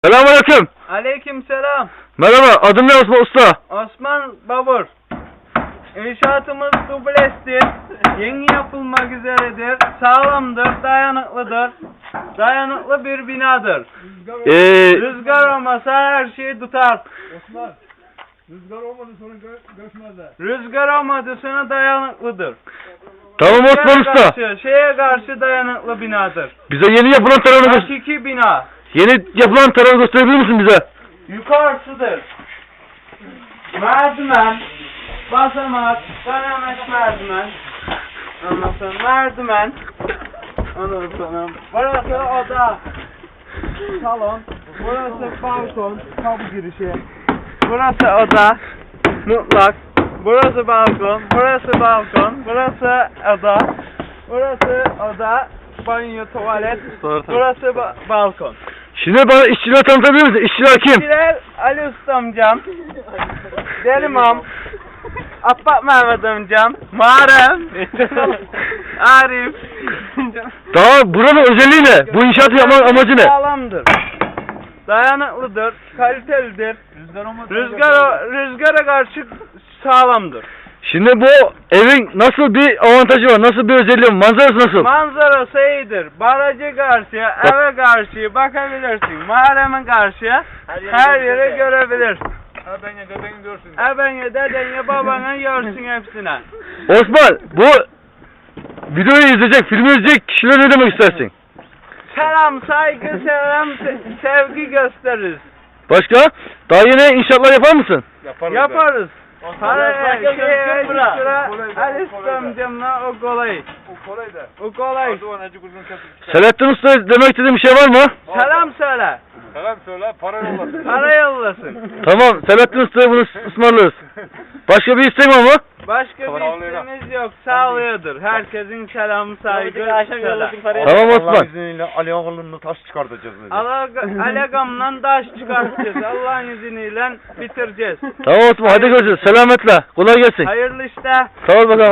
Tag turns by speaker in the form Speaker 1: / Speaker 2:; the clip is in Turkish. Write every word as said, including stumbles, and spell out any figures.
Speaker 1: Selamünaleyküm.
Speaker 2: Aleykümselam.
Speaker 1: Merhaba, adım ne Osman Usta?
Speaker 2: Osman Babur. İnşaatımız dublestir. Yeni yapılmak üzeredir. Sağlamdır, dayanıklıdır. Dayanıklı bir binadır.
Speaker 1: Ee,
Speaker 2: Rüzgar olmasa her şeyi tutar.
Speaker 3: Osman, rüzgar olmadı sonra gö göçmezler.
Speaker 2: Rüzgar olmadı sonra dayanıklıdır.
Speaker 1: tamam Osman
Speaker 2: Şeye
Speaker 1: Usta.
Speaker 2: karşı, şeye karşı dayanıklı binadır.
Speaker 1: Bize yeni yapılan tarafını gö-
Speaker 2: Hakiki bina.
Speaker 1: yeni yapılan tarafı gösterebilir misin bize?
Speaker 2: Yukarısıdır. Merdiven, basamak, dönemek merdiven. Ondan sonra merdiven. Ondan sonra burası oda, salon, burası balkon, kapı girişi. Burası oda, mutlak. Burası balkon, burası balkon, burası oda, burası oda, banyo, tuvalet, burası ba- balkon.
Speaker 1: Şimdi bana işçileri tanıtabilir misin? İşçiler kim?
Speaker 2: İşçiler Ali Usta amcam, Delimam, Abbas Mehmet amcam, Muharrem, Arif.
Speaker 1: Daha buranın özelliği ne? Bu inşaatı yapmanın amacı ne?
Speaker 2: Sağlamdır. Dayanıklıdır, kalitelidir.
Speaker 3: Rüzgar olmadı.
Speaker 2: Rüzgar, rüzgara karşı sağlamdır.
Speaker 1: Şimdi bu evin nasıl bir avantajı var? Nasıl bir özelliği var? Manzarası nasıl?
Speaker 2: Manzarası iyidir. Barajı karşıya, eve karşıya bakabilirsin. Muharrem'in karşıya her yere görebilir.
Speaker 3: Ha ben ya dedeni görsün.
Speaker 2: Ebene, dedene, babana görsün hepsine.
Speaker 1: Osman, bu videoyu izleyecek, filmi izleyecek kişilere ne demek istersin?
Speaker 2: Selam, saygı, selam, se- sevgi gösteririz.
Speaker 1: Başka? Daha yeni inşaatlar yapar mısın?
Speaker 3: Yaparız.
Speaker 2: Yaparız. Paraya,
Speaker 3: Osman,
Speaker 2: şeye,
Speaker 3: bırak.
Speaker 2: sıra,
Speaker 3: Kolay da,
Speaker 2: Ali
Speaker 3: kolay da.
Speaker 2: amcamla o kolay.
Speaker 3: O kolay da.
Speaker 2: O kolay.
Speaker 3: Adı var Necip Uzun Kesik.
Speaker 1: Selahattin Usta demek istediğin bir şey var mı?
Speaker 2: Selam söyle.
Speaker 3: Selam söyle, para yollasın.
Speaker 2: Para yollasın.
Speaker 1: Tamam, Selahattin Usta'ya bunu ısmarlarız. Başka bir isteğin var mı?
Speaker 2: Başka
Speaker 3: Tamam,
Speaker 2: bir
Speaker 3: sağlığına.
Speaker 2: isteğimiz yok. Sağlığıdır. Herkesin selamı, saygı, selam.
Speaker 1: Tamam Osman.
Speaker 3: Allah'ın izniyle Ali Ağalı'nın taş çıkartacağız. dedi.
Speaker 2: Alagamla taş çıkartacağız. Allah'ın izniyle bitireceğiz.
Speaker 1: Tamam Osman, hadi görüşürüz. Selametle. Kolay gelsin.
Speaker 2: Hayırlı işte.
Speaker 1: Sağ ol bakalım.